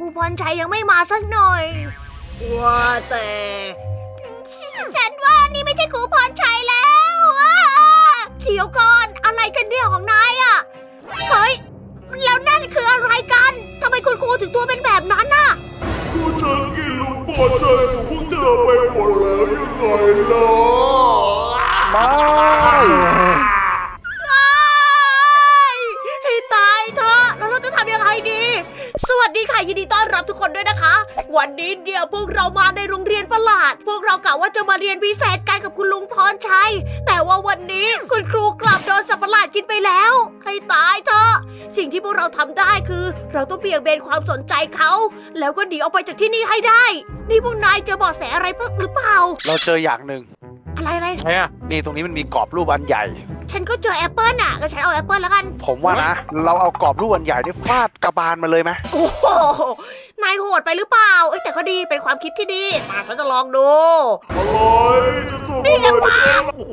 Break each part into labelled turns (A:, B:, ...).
A: พรชัยยังไม่มาสักหน่อยว่าแต่ฉันว่านี่ไม่ใช่ครูพรชัยแล้วเดี๋ยวก่อนอะไรกันเนี่ยของนายอะเฮ้ยแล้วนั่นคืออะไรกันทำไมคุณครูถึงตัวเป็นแบบนั้นน่ะ
B: ก็ฉันกินลูกบอลใจของพวกเธอไปหมดแล้วยังไงล่ะ
A: ให้ตายเถอะแล้วเราจะทำยังไงดี สวัสดีค่ะยินดีต้อนรับทุกคนด้วยนะคะ วันนี้เดี๋ยวพวกเรามาในโรงเรียนประหลาด พวกเรากะว่าจะมาเรียนพิเศษกันกับคุณลุงพรชัย แต่ว่าวันนี้คุณครูกลับโดนสัตว์ประหลาดกินไปแล้ว ให้ตายเถอะสิ่งที่พวกเราทำได้คือ เราต้องเบี่ยงเบนความสนใจเขาแล้วก็หนีออกไปจากที่นี่ให้ได้ นี่พวกนายเจอเบาะแสอะไรหรือเปล่า
C: เราเจออย่างหนึ่ง
A: อะไร
D: ใช่อะ
C: นี่ตรงนี้มันมีกรอบรูปอันใหญ่
A: ฉันก็เจอแอปเปิลน่ะก็ฉันเอาแอปเปิลแล้วกัน
C: ผมว่านะ เราเอากรอบรูปอันใหญ่นี่ฟาดกระบาลมาเลยไหม
A: โอ้โห นายโหดไปหรือเปล่า เอ้ยแต่ก็ดี เป็นความคิดที่ดี มาฉันจะลองดู
B: อะไรจะทำอะไรได้โอ้โห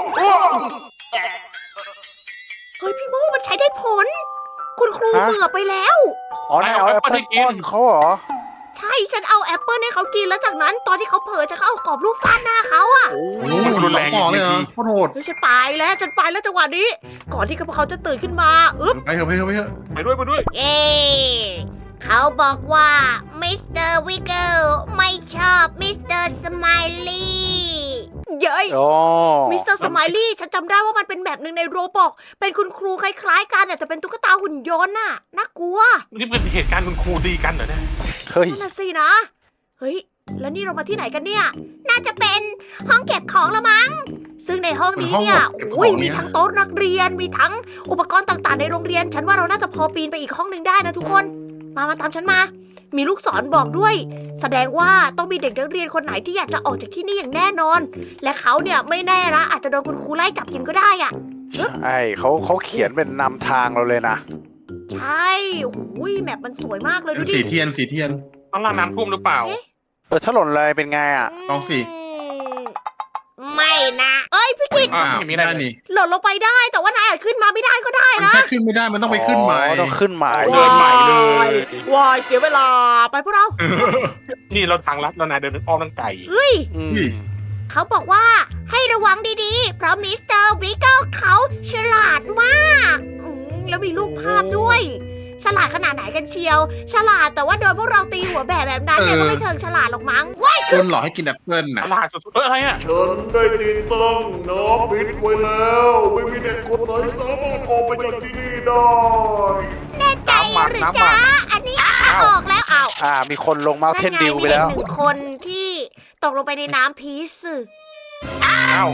A: เฮ้ยพี่โมมันใช้ได้ผล คุณครูเบื่อไปแล้ว
C: อ๋อนายเอาแอปเปิ้ลป้อนเขาเหรอ
A: ใช่ ฉันเอาแอปเปิลให้เขากินแล้วจากนั้น ตอนที่เขาเผลอฉันก็เอากรอบรูปฟาดหน้าเขาอะ
D: มันรุนแรง
E: ต่อเลยเหรอโคตรโหด
A: เฮ้ยฉันไปแล้วจังหวะนี้ ก่อนที่เขาจะตื่นขึ้นมา อึ๊บ
E: ไปเถอะไปเถอะไปเถอะ
D: ไปด้วย
A: เอ๊เขาบอกว่ามิสเตอร์วิกเกิลไม่ชอบมิสเตอร์สไมลี่เย้ย
C: โอ้
A: มิสเตอร์สไมลี่ฉันจำได้ว่ามันเป็นแบบหนึ่งในโรบอกเป็นคุณครูคล้ายๆกันแต่เป็นตุ๊กตาหุ่นยนต์น่ะน่ากลัว
D: นี่เป็นเหตุการณ์คุณครูดีกันเหรอเนี่ย
C: เฮ้ย
A: นั่นน่ะสินะเฮ้ยแล้วนี่เรามาที่ไหนกันเนี่ยน่าจะเป็นห้องเก็บของละมั้งซึ่งในห้องนี้เนี่ยอุ้ยมีทั้งโต๊ะนักเรียนมีทั้งอุปกรณ์ต่างๆในโรงเรียนฉันว่าเราน่าจะพอปีนไปอีกห้องหนึ่งได้นะทุกคนมาตามฉันมา มีลูกศรบอกด้วย แสดงว่าต้องมีเด็กนักเรียนคนไหนที่อยากจะออกจากที่นี่อย่างแน่นอน และเขาเนี่ยไม่แน่นะอาจจะโดนคุณครูไล่จับกินก็ได้อะ
C: ไอเขาเขียนเป็นนำทางเราเลยนะ
A: ใช่อุ้ยแมปมันสวยมากเลย
E: เป็
A: ดู
E: น
A: ดิ
E: สีเทียนสีเทียน
D: ต้องล่างน้ำท่วมหรือเปล่า
C: ถ้าหล่นอะไรเป็นไงอ่ะ
E: ลองสิ
A: ไม่นะเอ้ยพี่กิต
D: อ้าว
E: อ้าว
D: ไม่
E: ไม่
D: ได้
E: ได้
D: เลย
E: นี่
A: หล่นลงไปได้แต่ว่านายอาจขึ้นมาไม่ได้ก็ได้
E: มัน
A: นะ
E: แค่ขึ้นไม่ได้มันต้องไปขึ้นใหม่
C: อ๋อต้องขึ้นใหม่
D: เดินใหม่เลย
A: วายเสียเวลาไปพวกเรา
D: นี่เราทางลัดแล้วนายเดินอ้อมตั้งไก่
A: เฮ้ย
C: อืม
A: เขาบอกว่าให้ระวังดีๆ เพราะมิสเตอร์วิกเกิลเขาฉลาดมากแล้วมีรูปภาพด้วย ฉลาดขนาดไหนกันเชียว ฉลาดแต่ว่าโดนพวกเราตีหัวแบบนั้นเนี่ยก็ไม่เชิงฉลาดหรอกมั้งว้าย
E: คนหลอกให้กินแอปเปิ้ล
D: ต
E: น่ะ
D: ลาดสุดๆอะไรอ่ะ
B: ฉันได้ติดตั้งน้ำพิษไว้แล้ว ไม่มีเด็กคนไหนสามารถออกไปจากที่นี่ได้
A: แน่ใจหรือจ๊ะอันนี้ออกแล้วเอา
C: มีคนลงมาเทนดิวไป
A: มี
C: แล้
A: เด็ก
C: ว
A: หนึ่งคนที่ตกลงไปในน้ำพีซ
D: อ้าว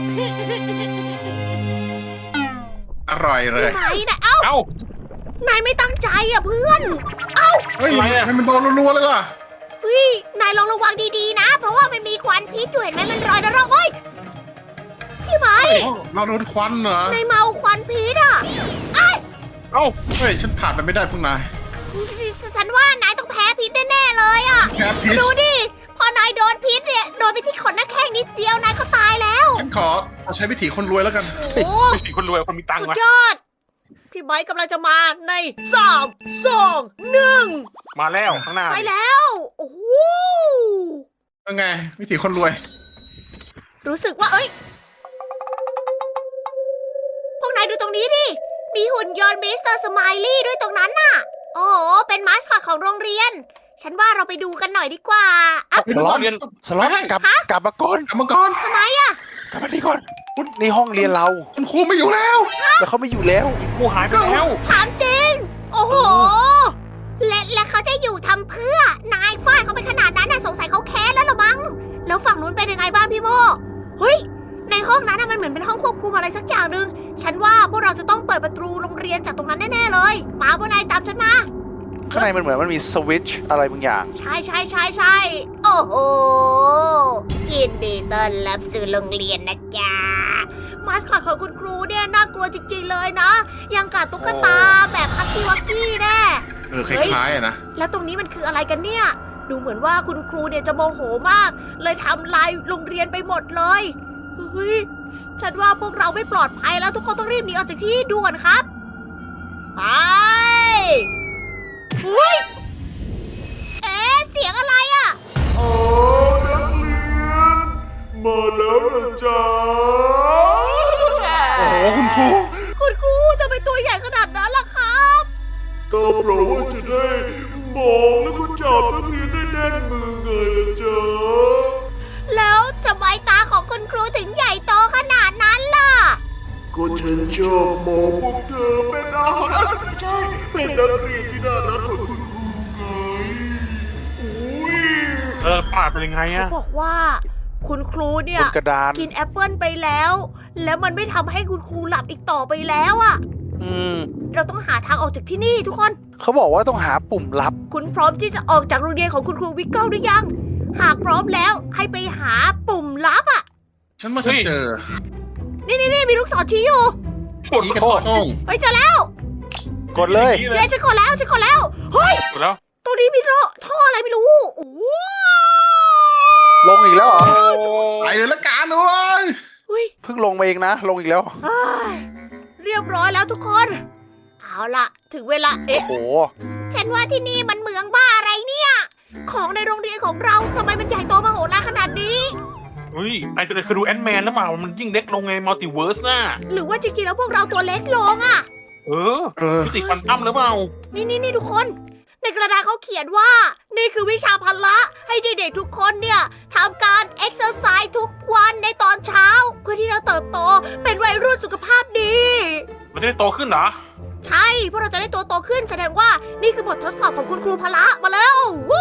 E: อร่อยเลย
A: ไหนนะ
D: เอ้าน
A: ายไม่ตั้งใจอ่ะเพื่อน
E: เฮ้ยให้มันโดนรัวๆเลยว่ะ
A: เฮ้ยนายลองระวังดีๆนะ เพราะว่ามันมีควันพิษด้วยเห็นไหมมันลอยระรอกเฮ้ยพี่ไม้
E: เราโดนควันเหรอน
A: ายเมาควันพิษอ่ะ
D: เอ้า
E: เฮ้ยฉันผ่านไปไม่ได้พวกนาย
A: ฉันว่านายต้องแพ้พิษแน่ๆเลยอ่ะ
E: แค่พิช
A: ดูดิพอนายโดนพิษเนี่ยโดนไปที่ขนหน้าแข้งนิดเดียวนายก็ตายแล้ว
E: ฉันขอใช้วิถีคนรวยแล้วกัน
A: โอ้
D: ไม่สิคนรวยคนมีตัง
A: สุ
D: ค์
A: ด
D: วะ
A: ยอด พี่ไม้กำลังจะมาใน3 2 1
D: มาแล้วข้างหน้า
A: ไปแล้ว โอ้โห
E: ยังไง วิถีคนรวย
A: รู้สึกว่าเอ้ย พวกนายดูตรงนี้ดิ มีหุ่นยนต์มิสเตอร์สไมลี่ด้วยตรงนั้นน่ะ โอ้โห เป็นมาสคอตของโรงเรียน ฉันว่าเราไปดูกันหน่อยดีกว่าอ่ะ
E: ไปดูก่อน
D: เรียน
C: สล็อตกลับมาก่อน
E: กรรมกร
A: ทำไมอ่ะ
C: กลับมานี่ก่อนนี่ห้องเรียนเรา
E: คุณครูไม่อยู่แล้ว
C: แล้วเขาไม่อยู่แล้ว
D: กูหายไปแล้ว
A: ถามจริง โอ้โห และเขาจะอยู่ทำเพื่อ นายฟาดเขาไปขนาดนั้นน่ะสงสัยเขาแค้นแล้วเหรอมั้ง แล้วฝั่งนู้นเป็นยังไงบ้างพี่โมเฮ้ย ในห้องนั้นน่ะมันเหมือนเป็นห้องควบคุมอะไรสักอย่างหนึ่งฉันว่าพวกเราจะต้องเปิดประตูโรงเรียนจากตรงนั้นแน่ๆเลย มาพวกนายตามฉันมา
C: ข้างในมันเหมือนมันมีสวิตช์อะไรบางอย่าง
A: ใช่ โอ้โห ยินดีต้อนรับสู่โรงเรียนนะจ๊ะ มาสคอตของคุณครูเนี่ยน่ากลัวจริงๆเลยนะ ยังกับตุ๊กตาแบบฮักกี้วักกี้แน่
E: คล้ายๆอะนะ
A: แล้วตรงนี้มันคืออะไรกันเนี่ย ดูเหมือนว่าคุณครูเนี่ยจะโมโหมาก เลยทำลายโรงเรียนไปหมดเลย เฮ้ย ฉันว่าพวกเราไม่ปลอดภัยแล้วทุกคนต้องรีบหนีออกจากที่นี่ด่วนครับ ไป เฮ้ยสียงอะไรอะ
B: อ๋อนักเรียน มาแล้วนะจ๊ะ
E: โอ้โหคุณครู
A: คุณครูทำไมตัวใหญ่ขนาดนั้นล่ะครับ
B: ก็เพราะว่าจะได้มองแล้วก็จับนักเรียนได้แน่นมือไงล่ะจ๊ะ
A: แล้วทำไมตาของคุณครูถึงใหญ่โตขนาดนั้นล่ะ
B: ก็ฉันชอบมองพวกเธอเป็นอาหารไม่ใช่ เป็นนักเรียนที่น่ารักของคุณครูไงอุ้ย
D: ปาดเป็นยังไง
A: เขา
D: อะ
A: บอกว่า คุณครูเนี่
C: บ
A: ย
C: นกระดาน
A: กินแอปเปิลไปแล้ว แล้วมันไม่ทำให้คุณครูหลับอีกต่อไปแล้วอะ
C: อืม
A: เราต้องหาทางออกจากที่นี่ทุกคน
C: เขาบอกว่าต้องหาปุ่มลับ
A: คุณพร้อมที่จะออกจากโรงเรียนของคุณครูวิกเกิลหรือยัง หากพร้อมแล้วให้ไปหาปุ่มลับอะ
E: ฉันว่าฉันเจอ
A: นี่มีลูกศรชี้อยู่
E: ชี้กระโต้ง
A: ไปเจอแล้ว
C: กดเลย
A: เดี๋ยวฉันกดแล้วเฮ้ย
D: กดแล้ว
A: ตรงนี้มีท่ออะไรไม่รู้โอ้โห
C: ลงอีกแล้วเหรอ
E: ไปเลยละกันเว้ย
A: เฮ้ย
C: เพิ่งลงมาเองนะ ลงอีกแล้ว
A: เอ้ยเรียบร้อยแล้วทุกคน เอาล่ะ ถึงเวลา
C: โอ้โห
A: ฉันว่าที่นี่มันเหมืองบ้าอะไรเนี่ย ของในโรงเรียนของเราทำไมมันใหญ่โตมโหฬารขนาดนี้
D: เฮ้ยนายเคยดูแอนด์แมนแล้วเปล่ามันยิ่งเล็กลงไงมัลติเวิร์สน่ะ
A: หรือว่าจริงๆแล้วพวกเราตัวเล็กลงอะ
D: เออ
E: เออ
D: มิติควอนตัมหรือเปล่า
A: นี่ทุกคน ในกระดาษเขาเขียนว่า นี่คือวิชาพละให้เด็กๆทุกคนเนี่ยทำการเอ็กซ์ไซส์ทุกวันในตอนเช้า เพื่อที่จะเติบโตเป็นวัยรุ่นสุขภาพดี
D: มันจะได้โตขึ้นเหรอ
A: ใช่พวกเราจะได้ตัวโตขึ้นแสดงว่านี่คือบททดสอบของคุณครูพละมาแล้ววู้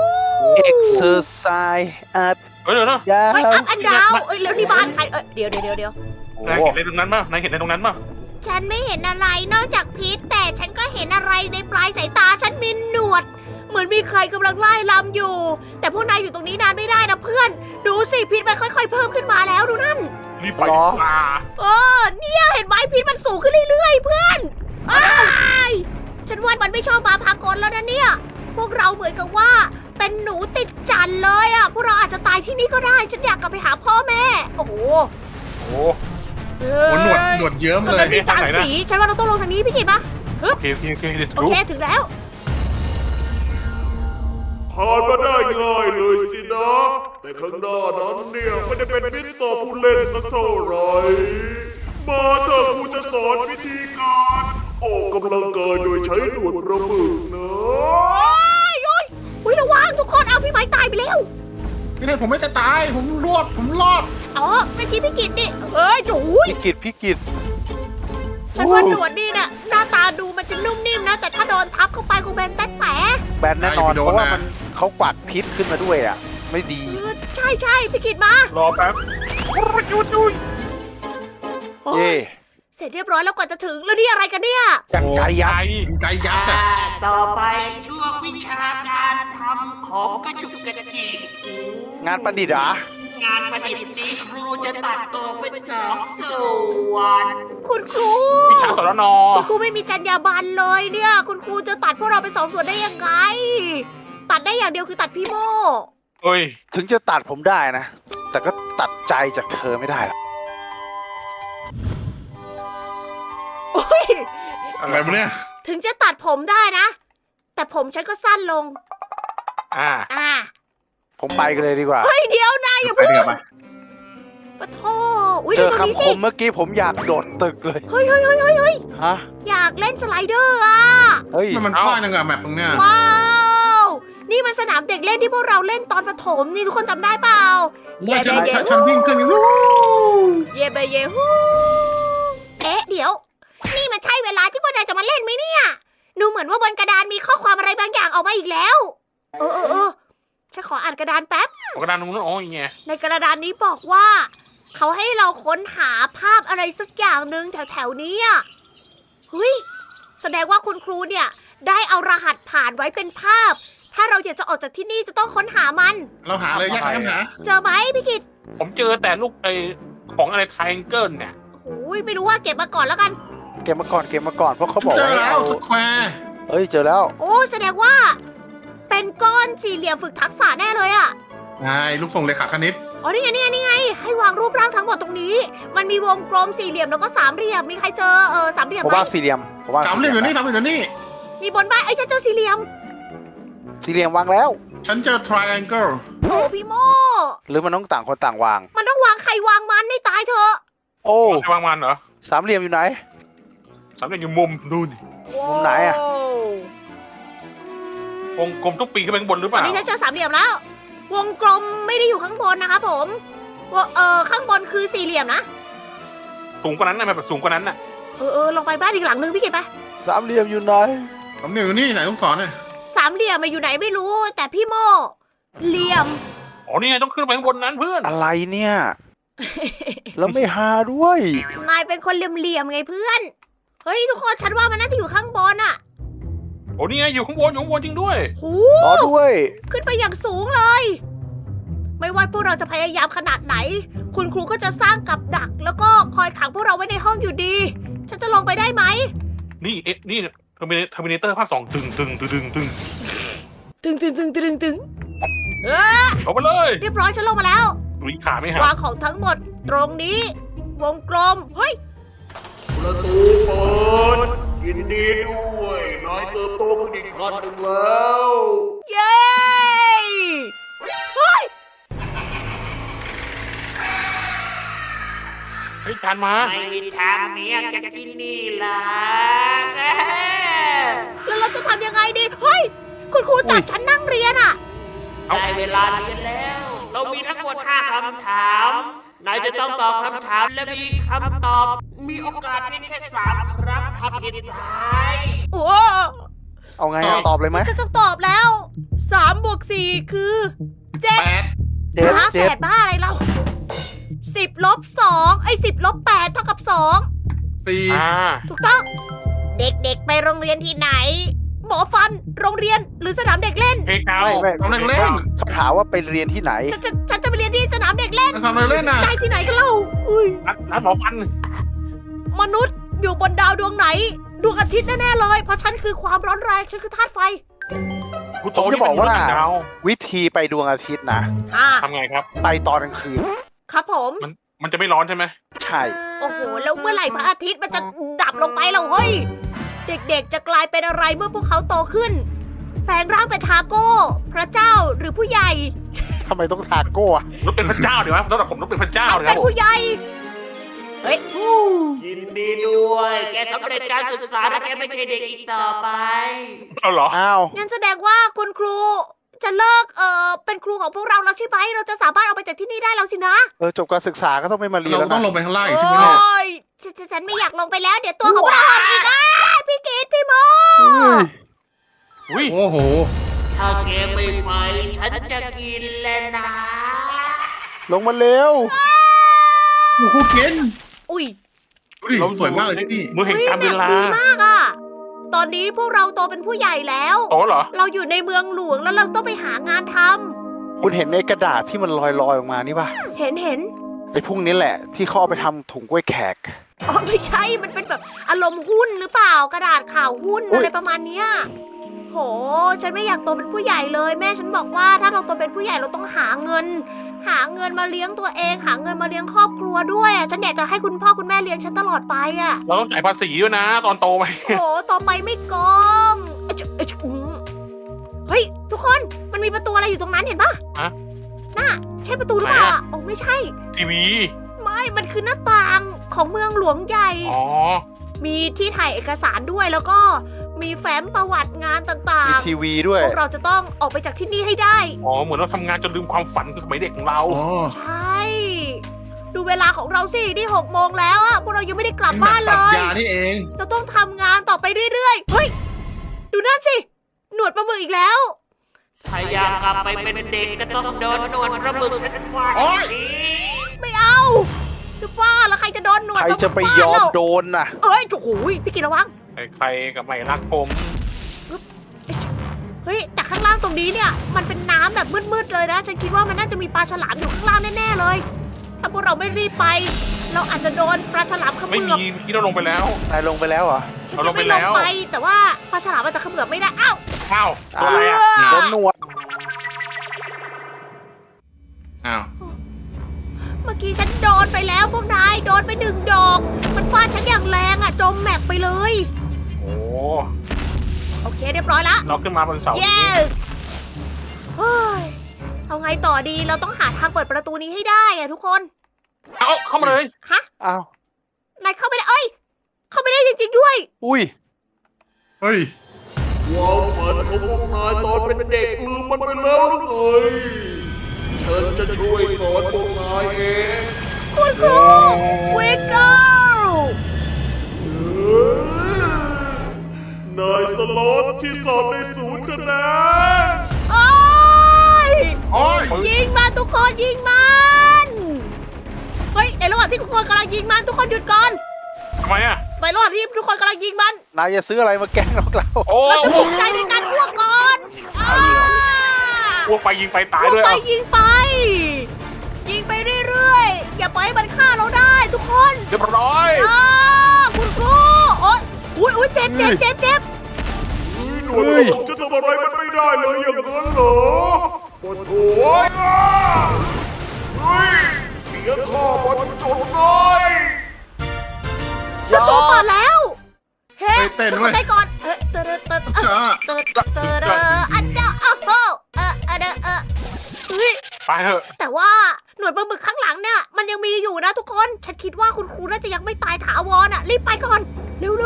C: exercise up
D: เดี๋ยวนะ
C: ยา
A: ไม่
C: ว
A: อัพอันดาวเอ้ยแล้วนี่บ้านใครเดี๋ยว
C: โอ้
D: นาย
C: โห
D: เห็นอะไรตรงนั้นป่ะนายเห็นอะไรตรงนั้นป่ะ
A: ฉันไม่เห็นอะไรนอกจากพิษแต่ฉันก็เห็นอะไรในปลายสายตาฉันมีหนวด เหมือนมีใครกำลังไล่ลำอยู่ แต่พวกนายอยู่ตรงนี้นานไม่ได้นะเพื่อน ดูสิพิษมันค่อยๆเพิ่มขึ้นมาแล้วดูนั่น
D: รีบไปดีกว่า
A: เนี่ยเห็นไหมพิษมันสูงขึ้นเรื่อยๆเพื่อนอ้ายฉันว่ามันไม่ชอบมาพากลแล้วนะเนี่ย พวกเราเหมือนกับว่าเป็นหนูติดจันเลยอ่ะ พวกเราอาจจะตายที่นี่ก็ได้ ฉันอยากกลับไปหาพ่อแม่ โอ้โห
D: โอ้
E: โอ้หนวดเยิ้ม
A: มัน
E: เล
A: เป็
E: ย
A: นมีจานสี ฉันว่าเราต้องลงทางนี้พี่กิตปะ
D: โอเคเดี๋ยว
A: โอเคถึงแล้ว
B: ผ่านมาได้ง่ายเลยสินะ แต่ข้างหน้านั้นเนี่ยไม่ได้เป็นมิตรต่อผู้เล่นสักเท่าไหร่ มาเถอะครูจะสอนวิธีการออกกำลังกายโดยใช้หนวดปลาหมึกนะ
A: อุ้ยระวังทุกคนเอาพี่ไม้ตายไปแล้ว
E: นี่เลยผมไม่จะตาย ผมรอด
A: อ๋อเมื่อกี้พี่กิตนี่เอ้ยจุ๋ย
C: พี่กิต
A: ฉันว่าหนวดนี่เนี่ยหน้าตาดูมันจะนุ่มนิ่มนะ แต่ถ้าโดนทับเข้าไปคงเป็นแต๊ดแผล
C: แบนแน่นอน เพราะว่ามันเขากวาดพิษขึ้นมาด้วยอ่ะ ไม่ดี
A: ใช่พี่กิตมาร
D: อแป๊บ
A: โอ้
C: เย่
A: ยเสร็จเรียบร้อยแล้วกว่าจะถึงแล้วนี่อะไรกันเนี่ย
C: กันไกยักษ์
E: เป็นไก่ยักษ์อะ
F: ต่อไปช่วงวิชาการทำของกระจุกกระจิก
C: งานประดิษฐ์เหรอ
F: งานประดิษฐ์นี้ครูจะตัดตัวเป็นสองส่วน
A: คุณครู
D: วิชาสรน
A: คุณครูไม่มีจรรยาบรรณเลยเนี่ย คุณครูจะตัดพวกเราเป็นสองส่วนได้ยังไง ตัดได้อย่างเดียวคือตัดพี่โม
D: เฮ้ย
C: ถึงจะตัดผมได้นะ แต่ก็ตัดใจจากเธอไม่ได้หรอก
A: โอ้ย
E: อะไรวะเนี่ย
A: ถึงจะตัดผมได้นะ แต่ผมฉันก็สั้นลง
D: อ่า
C: ผมไปกันเลยดีกว่า
A: เฮ้ยเดี๋ยวนายอย่า
E: ไป
A: พูด
E: เดี๋ยวไป
A: ปะโทอุ้ย
C: เจ
A: ดู
C: อ
A: ตรงนี้
C: คำค
A: สิ
C: มเมื่อกี้ผมอยากโดดตึกเลย
A: เฮ้ย
C: ฮะ
A: อยากเล่นสไลเดอร์อ่ะ
C: เฮ้ย
E: มันกว้างจังอะแมปตรงเนี้ย
A: ว้าว นี่มันสนามเด็กเล่นที่พวกเราเล่นตอนประถมนี่ทุกคนจำได้เปล่า
E: ว่าฉันวิ่งขึ้นวู้
A: เย่เบเย่ฮูเอ๊ะเดี๋ยว นี่มันใช่เวลาที่พวกนายจะมาเล่นไหมเนี่ย ดูเหมือนว่าบนกระดานมีข้อความอะไรบางอย่างออกมาอีกแล้ว เออฉันขออ่านกระดานแป๊บ
D: กระดานตรงนู้นอ๋ออย่างเงี้ย
A: ในกระดานนี้บอกว่า เขาให้เราค้นหาภาพอะไรสักอย่างหนึ่งแถวๆนี้อ่ะเฮ้ย แสดงว่าคุณครูเนี่ย ได้เอารหัสผ่านไว้เป็นภาพ ถ้าเราอยากจะออกจากที่นี่จะต้องค้นหามัน
E: เราหาเลยแยกกันหา
A: เจอไหมพี่กิต
D: ผมเจอแต่ลูกของอะไรไทแองเกิลเนี่ย
A: โอ้ยไม่รู้ว่าเก็บมาก่อนแล้วกัน
C: เกมมาก่อนเพราะเขาบอก
E: เจอ
C: ว่า
E: แล้วสแควร์
C: เอ้ยเจอแล้ว
A: โอ้แสดงว่า เป็นก้อนสี่เหลี่ยมฝึกทักษะแน่เลยอ่ะ
E: ใช่ลูกส่งเลขาคณิต
A: อ๋อนี่ไง ให้วางรูปร่างทั้งหมดตรงนี้ มันมีวงกลมสี่เหลี่ยมแล้วก็สามเหลี่ยม มีใครเจอสามเหลี่ยม
C: ผม
A: ไหม
C: ว่าสี่เหลี่ยมผมว่า
E: สามเหลี่ยมอยู่นี่สามเหลี่ยมอยู่นี่
A: มีบนบ้านเอ้ยฉันเจอสี่เหลี่ยม
C: สี่เหลี่ยมวางแล้ว
E: ฉันเจอ triangle
A: โอ้พี่โม
C: หรือมันต้องต่างคนต่างวาง
A: มันต้องวางใครวางมันให้ตายเถอะ
C: โอ้
D: จะวางมันเหรอ
C: สามเหลี่ยมอยู่ไหน
D: สามเหลี่ยมอยู่มุมดูดิ
C: มุมไหนอะ
D: วงกลมต้องปีนขึ้นไปข้างบนหรือเป
A: ตอน
D: ล่า
A: นี้ฉันเจอสามเหลี่ยมแล้ว วงกลมไม่ได้อยู่ข้างบนนะคะผมข้างบนคือสี่เหลี่ยมนะ
D: สูงกว่านั้นนะแบบสูงกว่านั้นน่ะ
A: ลงไปบ้านอีกหลังนึงพี่เกดไป
C: สามเหลี่ยมอยู่ไหน
E: ผมอยู่นี่ไหนลูกศรเนี่ย
A: สามเหลี่ยมมาอยู่ไหนไม่รู้ แต่พี่โมเหลี่ยม
D: อ๋อนี่ไงต้องขึ้นไปข้างบนนั้นเพื่อน
C: อะไรเนี่ย แล้วไม่หาด้วย
A: นายเป็นคนเหลี่ยมๆไงเพื่อน เฮ้ยทุกคนฉันว่ามันน่าจะอยู่ข้างบนอะ
D: โอ้นี่ไงอยู่ข้างบนจริงด้วย
A: หู
C: รอด้วย
A: ขึ้นไปอย่างสูงเลย ไม่ว่าพวกเราจะพยายามขนาดไหน คุณครูก็จะสร้างกับดัก แล้วก็คอยขังพวกเราไว้ในห้องอยู่ดี ฉันจะลงไปได้ไหม
D: นี่นี่เทอร์มินเตอร์ภาค2ตึง
A: ตึง
D: ลงไปเลย
A: เรียบร้อยฉันลงมาแล้ว
D: ลุยขาไม่หัก
A: วางของทั้งหมดตรงนี้ วงกลม เฮ้ย
B: ประตูเปิดยินดีด้วยนายเติบโตขึ้นอีกขั้นหนึ่งแล้ว
A: เย้ เฮ้ย
D: เฮ้ยจานมา
F: ไม่มีทางหนี้จากที่นี่หรอก
A: แล้วเราจะทำยังไงดี เฮ้ย คุณครูจับฉันนั่งเรียนอะ
F: ได้เวลาเรียนแล้ว เรามีทั้งหมด5คำถามนายจะต้องตอบคำถามและมีคำตอบ มีโอกาสเพียงแค่3 ครั้งถ้าผิดตาย
A: โอ้
C: เอาไงอะตอบเลยไหม
A: ฉันจะตอบแล้ว3 บวก 4 คือ7
E: 8
C: เจ็ด
A: แปดบ้าอะไรเรา10 ลบ 2 10 ลบ 8 เท่ากับ 2 ถูกต้อง เด็กๆไปโรงเรียนที่ไหน หมอฟัน โรงเรียน หรือสนามเด็กเล่น
D: เพลงเก่า
C: ไม่
E: ทำอะไรเล่น
C: เขาถามว่าไปเรียนที่ไหน
A: ฉันจะไปเรียนที่สนามเด็กเล่น
E: ทำอะไรเล่นน่ะ
A: ได้ที่ไหนกันเล่าอุ้ย
D: ร้านหมอฟัน
A: มนุษย์อยู่บนดาวดวงไหน ดวงอาทิตย์แน่ๆเลย เพราะฉันคือความร้อนแรง ฉันคือธาตุไฟ
D: คุณ
C: ผ
D: โต
C: ม
D: ที่
C: จะบอกว่า
D: เป็นมนุษย์ต่างดาว
C: วิธีไปดวงอาทิตย์นะ
D: ทำไงครับ
C: ไปตอนกลางคืน
A: ครับผม
D: มันจะไม่ร้อนใช่ไหม
C: ใช่
A: โอ้โห แล้วเมื่อไหร่พระอาทิตย์มันจะดับลงไปเราเฮ้ย เด็กๆจะกลายเป็นอะไรเมื่อพวกเขาโตขึ้น แปลงร่างเป็นทาโก้ พระเจ้าหรือผู้ใหญ่
C: ทำไมต้องทาโก้อะ
D: รถเป็นพระเจ้าเดี๋ยวนะสำหรับผมรถเป็นพระเจ้า
A: ฉัน
D: เลยค
A: เป็
D: รับ
A: น
D: ผม
A: ผู้ใหญ่ เฮ้ย
F: ยินดีด้วย แกสำเร็จการศึกษาและแกไม่ใช่เด็กอีกต่อไป
D: เอาเหรอ
C: อ้าว
A: งั้นแสดงว่าคุณครูจะเลิกเป็นครูของพวกเราแล้วใช่ไหมเราจะสามารถเอาไปจากที่นี่ได้แล้วสินะ
C: จบการศึกษาก็ต้องไม่มาเรียน
E: เรา
C: แล้ว
E: ต้อง
C: นะ
E: ลงไปข้างล่างอีก
A: โอ
E: ใช่ไหมเนี่ย
A: ้ยฉันไม่อยากลงไปแล้ว เดี๋ยวตัวของเราหดอีกพี่กีดพี่โม
C: อุ้ย
D: อุ้ย
E: โอ้โห
F: ถ้าแกไม่ไป ฉันจะกินแล้วนะ
C: ลงมาเร็ว
E: โอ้โหเกน
A: อุ้ย
E: ดูดิสวยมากเลยที่นี่
D: มือแห่งการเวลา
A: ดีมากอะตอนนี้พวกเราโตเป็นผู้ใหญ่แล้ว
D: โตเหรอ
A: เราอยู่ในเมืองหลวงแล้วเราต้องไปหางานทำ
C: คุณเห็นในกระดาษที่มันลอยๆออกมานี่ป่ะ
A: เห็น
C: ไอ้พวกนี้แหละ ที่เขาเอาไปทำถุงกล้วยแขก
A: อ๋อไม่ใช่ มันเป็นแบบอารมณ์หุ้นหรือเปล่ากระดาษข่าวหุ้น
C: อุ๊ย
A: อะไรประมาณเนี้ยโห ฉันไม่อยากโตเป็นผู้ใหญ่เลย แม่ฉันบอกว่าถ้าเราโตเป็นผู้ใหญ่เราต้องหาเงินมาเลี้ยงตัวเอง หาเงินมาเลี้ยงครอบครัวด้วยอ่ะฉันอยากจะให้คุณพ่อคุณแม่เลี้ยงฉันตลอดไปอ่ะ
D: เราต้องจ่ายภาษีด้วยนะ ตอนโตไป
A: โหต่อไปไม่กมเฮ้ย ทุกคน มันมีประตูอะไรอยู่ตรงนั้นเห็นปะ
D: ฮะ
A: น่ะ ใช่ประตูหรือเปล่า
D: ไหนอะ
A: โอ้ไม่ใช่
D: ทีวี
A: ไม่ มันคือหน้าต่างของเมืองหลวงใหญ่
D: อ๋อ
A: มีที่ถ่ายเอกสารด้วยแล้วก็มีแฟ้มประวัติงานต่า
C: มี
A: ง
C: ทีวีด้ว
A: ๆ
C: ย
A: พวกเราจะต้องออกไปจากที่นี่ให้ได้
D: อ๋อ เหมือนเราทำงานจนลืมความฝันสมัยเด็กของเรา
E: อ๋อ
A: ใช่ ดูเวลาของเราสิ นี่6 โมงแล้วอะพวกเรายังไม่ได้กลับบ้านเล
E: ตัด
A: ย
E: ยานี่เอง
A: เราต้องทำงานต่อไปเรื่อยๆ เฮ้ย ดูนั่นสิ หนวดปลาหมึกอีกแล้ว
F: ถ้าอยากกลับไปเป็นเด็กก็ต้องโดนหนวดปลาหมึกฉันฟาด
D: โอ๊ย
F: ที
A: ไม่เอา จะบ้าแล้วใครจะโดนหนวด
C: ใคร
A: ปลาหมึก
C: จะไปยอม
A: ฟาด
C: โดนน่ะ
A: เอ้ยโอ้โหพี่กินระวัง
D: ใครกับไม่รักผม
A: เฮ้ยแต่ข้างล่างตรงนี้เนี่ย มันเป็นน้ำแบบมืดๆเลยนะ ฉันคิดว่ามันน่าจะมีปลาฉลามอยู่ข้างล่างแน่ๆเลย ถ้าพวกเราไม่รีบไป เราอาจจะโดนปลาฉลามเขมื
D: ไม่
A: อบ
D: มีที่เราลงไปแล้ว
C: นายลงไปแล้วเหรอ
A: ฉัน
D: เราล
A: จะ
D: งไป
A: ไม่ล
D: แล้
A: ง
D: ว
A: ไป แต่ว่าปลาฉลามอาจจะเขมือบไม่ได้ อ้าว
D: อ้าวตัวอะไรอ่ะ
C: โดนหนวด
E: อ้าว
A: เมื่อกี้ฉันโดนไปแล้วพวกนายโดนไป1 ดอก มันฟาดฉันอย่างแรงอ่ะจมแมปไปเลย
D: โอ้
A: โอเคเรียบร้อยละ
D: เราขึ้นมาบนเสานี้
A: yes เฮ้ยเอาไงต่อดีเราต้องหาทางเปิดประตูนี้ให้ได้อะทุกคน
D: เอาเข้ามาเลย
A: ฮะ
C: อ้าวน
A: ายเข้าไม่ได้เอ้ยเข้าไม่ได้จริงๆด้วย
C: อุ้ย
E: เฮ้ย
B: ความฝันของพวกนายตอนเป็นเด็กลืมมันไปแล้วหรือไงฉันจะช่วยสอนพวกนายเอง
A: คุณครูวิกเกิล
B: นายสล็อตที่สอบใน0 คะแนน
A: โอ้ย
E: โอ้ย
A: ยิงมันทุกคนยิงมันเฮ้ยในระหว่างที่ทุกคนกำลังยิงมันทุกคนหยุดก่อน
D: ทำไมอ่ะ
A: ในระหว่างที่ทุกคนกำลังยิงมัน
C: นายจะซื้ออะไรมาแกล้งเรา
D: โอ้
A: เราจะปลุกใจในการอ้วกก่อน
D: พวกไปยิงไปตาย
A: อ้วก
D: ด้วย
A: ไป
D: อ่ะ
A: ยิงไป ยิงไปเรื่อยๆอย่าปล่อยให้มันฆ่าเราได้ทุกคน
D: เรียบร้อย
A: คุณครูโอ๊ยอุ้ยเจ็บ
B: หน่วยรบจะทำอะไรมันไม่ได้เลยอย่างนั้นเหรอโอ้โหเฮ้ยเสียท่ามันจนเลย
A: ประตูเปิดแล้ว เฮ้
E: เต้นเว้ย
A: เต้นก่อนเฮ้ยเติร์ด
E: จ้า
A: อันเจ้าอ้าวเฮ้ย
D: ไปเถอะ
A: แต่ว่าหน่วยปลาหมึกข้างหลังเนี่ยมันยังมีอยู่นะทุกคน ฉันคิดว่าคุณครูน่าจะยังไม่ตายถาวรอ่ะ รีบไปก่อน เร็ว
C: รอ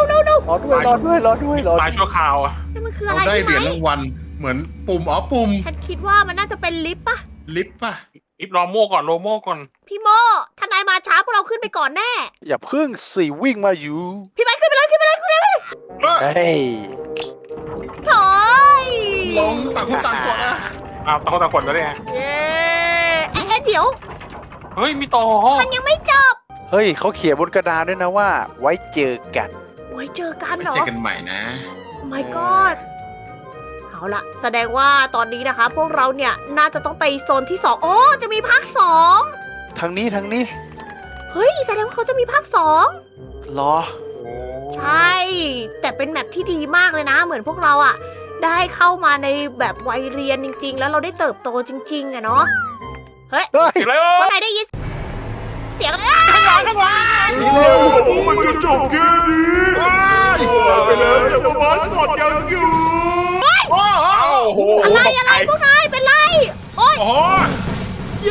C: ด้วย
D: ตายชั่วคราวอ่ะ
A: นี่มันคือ
E: เรา
A: อะไร
E: ได้
A: พี่
E: เหรียญ
A: ไหม
E: รางวัลเหมือนปุ่มปุ่ม
A: ฉันคิดว่ามันน่าจะเป็นลิฟต์ปะ
E: ลิฟต์ป่ะ
D: อิฟรอโม่ก่อนโลโม่ก่อน
A: พี่โมทนายมาช้าพวกเราขึ้นไปก่อนแน่
C: อย่าเพิ่งสิวิ่งมาอยู่
A: พี่ไม้ขึ้นไปเลย
C: เฮ้ย
A: ถอย
E: ลงต่างคนต่างกดนะ
D: อ้าวตะกดแล้วเนี่ย
A: เย้เดี๋ยว
D: เฮ้ยมีต่อ
A: มันยังไม่จบ
C: เฮ้ยเขาเขียนบนกระดานด้วยนะว่า ไว้เจอกัน
A: ไว้เจอกัน
E: ไป
A: เหรอ
E: เจอกันใหม่นะ
A: my god เอาล่ะ แสดงว่าตอนนี้นะคะ พวกเราเนี่ยน่าจะต้องไปโซนที่2โอ้จะมีภาค2
C: ทางนี้
A: เฮ้ย แสดงว่าเขาจะมีภาค2
C: รอ
A: ใช่ แต่เป็นแมปที่ดีมากเลยนะ เหมือนพวกเราอะได้เข้ามาในแบบวัยเรียนจริง ๆ แล้วเราได้เติบโตจริงๆอะเนาะ
C: เฮ้ย
D: อีกแล้ว
A: คนไหนได้ยินเสียงอะไร
D: ข้างหลัง
C: นี่เร็ว
B: โอ้มันจะจบแค่นี้ไปแล้วแต่ว่ามาสอดยังอยู่
D: โอ้โห
A: อะไรพวกนายเป็นไร โอ๊ย
D: โอ้โห
A: เย้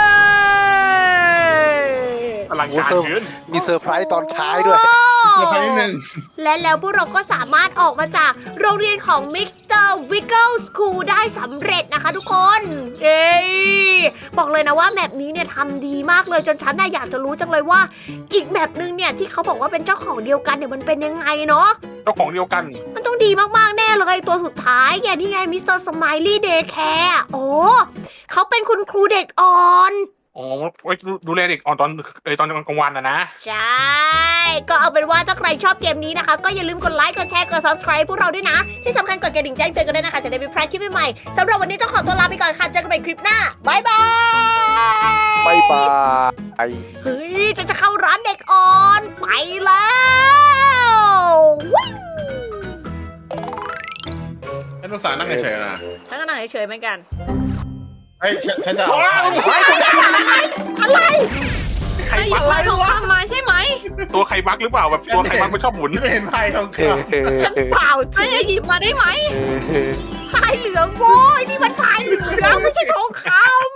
D: อลังการเกิน
C: มีเซอร์ไพรส์ตอนท้ายด้วย
E: เดี๋ยวไปนิดนึง
A: และแล้วพวกเราก็สามารถออกมาจากโรงเรียนของ Mr. Wiggle School ได้สำเร็จนะคะทุกคน เอ้ยบอกเลยนะว่าแมปนี้เนี่ยทำดีมากเลยจนฉันน่ะอยากจะรู้จังเลยว่า อีกแมปนึงเนี่ยที่เขาบอกว่าเป็นเจ้าของเดียวกันเนี่ยมันเป็นยังไงเนาะ
D: เจ้าของเดียวกัน
A: มันต้องดีมากๆแน่เลยตัวสุดท้ายอย่างนี่ไง Mr. Smiley Daycare โอ้เขาเป็นคุณครูเด็กอ่อน
D: อ๋อไว้ดูแลเด็กอ่อนตอนกลางวันนะ
A: ใช่ ก็เอาเป็นว่าถ้าใครชอบเกมนี้นะคะ ก็อย่าลืมกดไลค์ กดแชร์ กด subscribe พวกเราด้วยนะ ที่สำคัญกดกระดิ่งแจ้งเตือนกันด้วยนะคะ จะได้ไม่พลาดคลิปใหม่ๆสำหรับวันนี้ต้องขอตัวลาไปก่อนค่ะ เจอกันใหม่คลิปหน้าบายบาย
C: บายบาย
A: เฮ้ยจะเข้าร้านเด็กอ่อน ไปแล้ววิ่ง
E: ฉันภาษาห์นั่งเฉยๆนะ
A: ฉันก็นั่งเฉยๆเหมือนกัน
E: เฮ้ยฉันจะเอา
A: อะไร
D: ไข่
G: หยิ
D: บั
G: บ
D: ก
G: ไม้ทองคำมาใช่ไหม
D: ตัวไข่บักหรือเปล่าแบบตัวไข่บักมันชอบหมุน
E: ฉันเห็นไพ่ทองค
A: ฉันเปล่าจ
G: ไอ้
A: ริง
G: หยิบมาได้ไหม
A: พายเหลืองโว้ยนี่มันพายเหลืองไม่ใช่ทองคำ